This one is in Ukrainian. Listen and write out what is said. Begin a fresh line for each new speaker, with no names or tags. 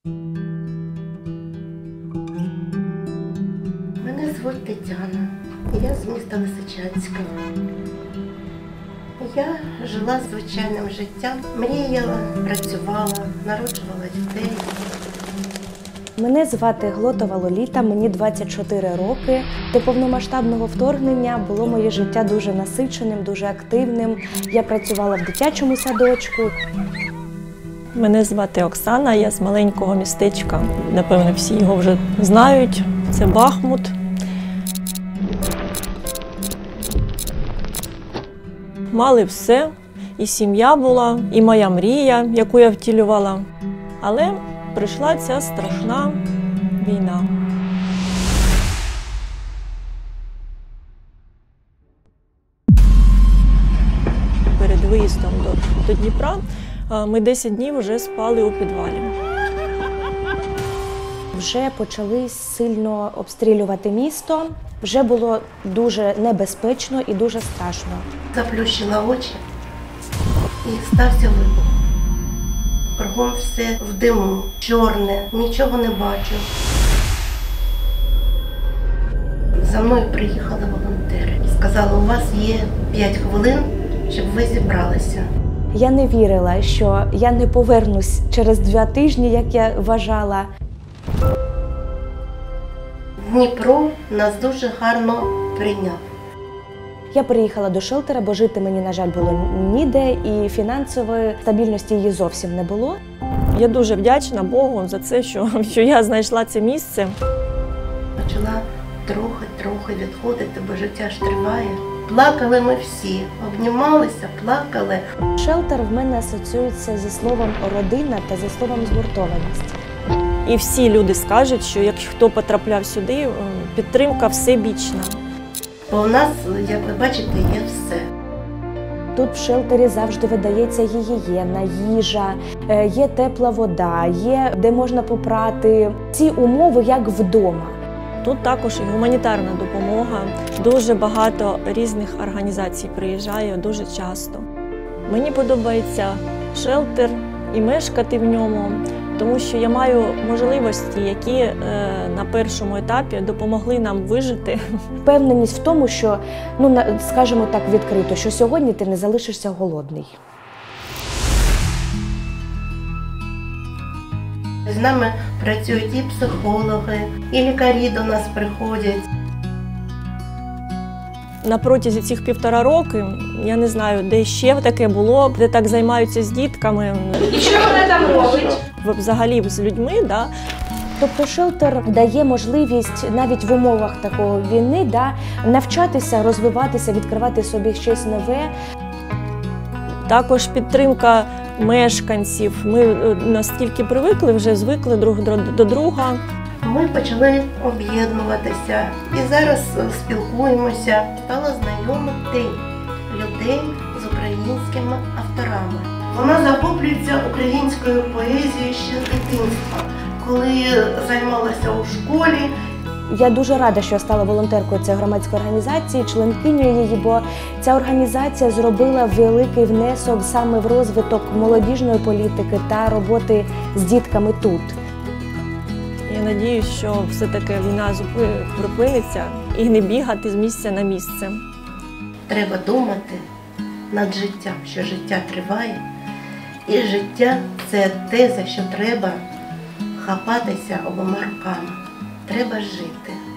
Мене звуть Тетяна, я з міста Лисичанська. Я жила звичайним життям, мріяла, працювала, народжувала дітей.
Мене звати Глотова Лоліта, мені 24 роки. До повномасштабного вторгнення було моє життя дуже насиченим, дуже активним. Я працювала в дитячому садочку.
Мене звати Оксана, я з маленького містечка. Напевно, всі його вже знають. Це Бахмут. Мали все. І сім'я була, і моя мрія, яку я втілювала. Але прийшла ця страшна війна. Перед виїздом до Дніпра ми 10 днів вже спали у підвалі.
Вже почали сильно обстрілювати місто. Вже було дуже небезпечно і дуже страшно.
Заплющила очі і стався вибух. Кругом все в диму, чорне, нічого не бачу. За мною приїхали волонтери. Сказали, у вас є 5 хвилин, щоб ви зібралися.
Я не вірила, що я не повернусь через 2 тижні, як я вважала.
Дніпро нас дуже гарно прийняв.
Я переїхала до шелтера, бо жити мені, на жаль, було ніде, і фінансової стабільності її зовсім не було.
Я дуже вдячна Богу за це, що я знайшла це місце.
Почала трохи відходити, бо життя ж триває. Плакали ми всі, обнімалися, плакали.
Шелтер в мене асоціюється зі словом «родина» та зі словом «згуртованість».
І всі люди скажуть, що якщо хто потрапляв сюди, підтримка всебічна.
Бо у нас, як ви бачите, є все.
Тут в шелтері завжди видається гігієна, їжа, є тепла вода, є де можна попрати. Ці умови як вдома.
Тут також і гуманітарна допомога. Дуже багато різних організацій приїжджає дуже часто. Мені подобається шелтер і мешкати в ньому, тому що я маю можливості, які на першому етапі допомогли нам вижити.
Впевненість в тому, що, скажімо так відкрито, що сьогодні ти не залишишся голодний.
З нами працюють і психологи, і лікарі до нас приходять.
На протязі цих 1,5 року, я не знаю, де ще таке було, де так займаються з дітками.
І що вона там робить?
Взагалі з людьми, да.
Тобто шелтер дає можливість навіть в умовах такої війни навчатися, розвиватися, відкривати собі щось нове.
Також підтримка мешканців. Ми настільки привикли, вже звикли друг до друга.
Ми почали об'єднуватися і зараз спілкуємося. Стала знайомити людей з українськими авторами. Вона захоплюється українською поезією ще з дитинства. Коли займалася у школі.
Я дуже рада, що я стала волонтеркою цієї громадської організації, членкинею її, бо ця організація зробила великий внесок саме в розвиток молодіжної політики та роботи з дітками тут.
Я сподіваюся, що все-таки війна припиниться і не бігати з місця на місце.
Треба думати над життям, що життя триває. І життя – це те, за що треба хапатися обома руками. Треба жити.